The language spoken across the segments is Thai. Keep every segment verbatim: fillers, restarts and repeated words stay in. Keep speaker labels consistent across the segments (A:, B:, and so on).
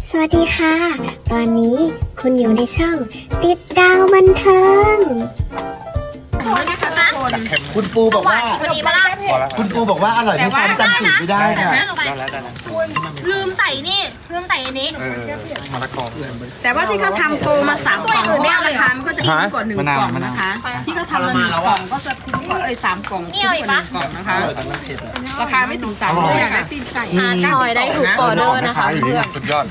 A: สวัสดีค่ะ ตอนนี้คุณอยู่ในช่องติดดาวบันเทิง
B: คุณปูบอกว่า
C: พอดีปะล่ะ
B: คุณปูบอกว่าอร่อยไม่ซ้ำจำสูตรไม่ได้ค่ะ
C: ลืมใส่นี่ลืมใส่อันนี้
D: แต่ว่าที่เขาทำโปรมาสามกล่องเพราะว่าราคามันก็จะดีกว่าหนึ่งกล่องนะคะ ที่เขาทำมาหนึ่งกล่องก็จะคุ้มกว่าเอ้ยสามกล่องคุ้มกว่าหนึ่งกล่องนะคะ ราคาไม่ถึงสามร้อยค่ะ
C: อาทอยได้ถูกออเดอร์นะคะเพื่อน
E: สุดยอด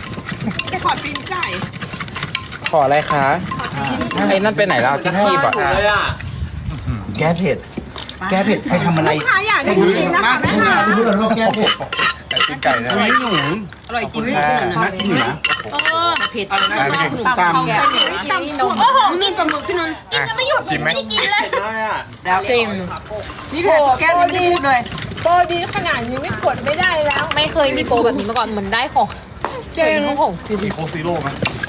E: ขออะไรคะไอ้นั่นไปไหนแล้วที่คีบอ่ะ
B: แก้เผ็ด แก้เผ็ดใครทำอะไรให้ดูมากให้ดูดูโลกแก้เผ็ด
E: ไก่ปิ้งไก่นะ
B: อุ้ยหนู
D: อร่อยจริง
B: น่ากินอยู่นะ
D: เผ็ดอะไรนะ
B: ตาม
C: โอ้โหกินปลาหมึกพี่นนท์กินกันไม่หยุดไม่ได้กินเลย
D: แล้วจริงนี่ค่ะแก้วไม่พูดเลย
F: โปรดีขนาดนี้ไม่กดไม่ได้แล้ว
C: ไม่เคยมีโปรแบบนี้มาก่อนเหมือนได้ของเจ๋งของ
E: มีโคซีโร่ไหม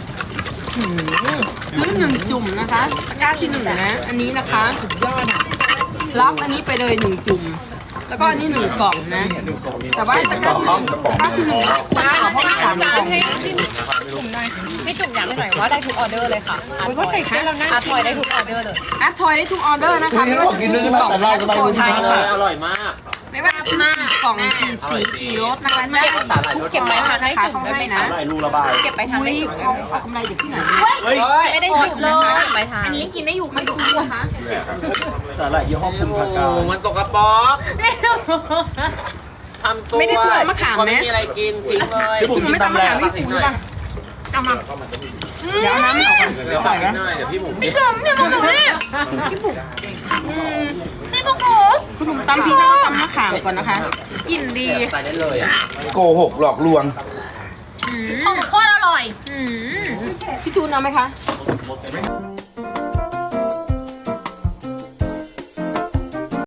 D: ซื้อหนึ่งจุ่มนะคะตะกร้าที่หนึ่งนะ อันนี้นะคะสุดยอดอ่ะรับอันนี้ไปเลยหนึ่งจุ่มแล้วก็อันนี้หนึ่งกล่องนะ แต่ว่าตะกร้าที่หนึ่งตะกร้าที่หนึ่งตะกร้าเพราะว่าสามกล่อง
C: พี่จุ๋มอยากให้หน่อยว่าได้ทุกออเดอร์เลยค่ะอาทอยอาทอยได้ทุกออเดอร์เลย
D: แอดทอยได้ทุกออเดอร์นะคะ
B: นี่บอกกินด้วยใช่ไหมแต่แรกก็ต้องรู้ใช่ไหม
E: อร่อยมาก
D: ไม่ว่าจะมากกล่องกี่สีกี่รสนะคะไม่
C: เก็บไปทานให้จุ๋มได้ไหมนะ
E: รูระบาย
C: เก็บไปทาน
D: อุ้
C: ได้
D: ย
C: จุ๋ม
D: เอาเอากำไรจากที่ไหน
B: เฮ้ย
C: ไม่ได้จุ๋มนะคะเก็บไปทานอันนี้กินได้อยู่ไม่ถูกนะคะ
E: สาหร่ายยี่ห้อคุณพากามันสกปรกทำตัว
D: ไม่ได้ถั่วมะขาม
E: ไม่
D: ไหม
E: มีอะไรกินทิ้งเลย
D: พี่ผมไม่ต้องมาถามพี่ผมป่ะเอามาเดี๋ยวเอาน้ำออกก่อน
E: เดี๋ยว
D: ใส่
E: ใส่
D: นะ
E: หน่อยเดี๋ยวพี่หมู
C: พี่จุ๋มเนี่ยมาหนูนี่พี่ปุ๋มนี่พวกหนู
D: คุณผมตำพริกแล้วก็ตำมะขามก่อนนะคะกลิ่นดี
E: ใส่ได้เลยอ่ะ
B: โกหกหลอกลวง
C: ของหนูโคตรอร่อย
D: พี่จูนเอาไหมคะ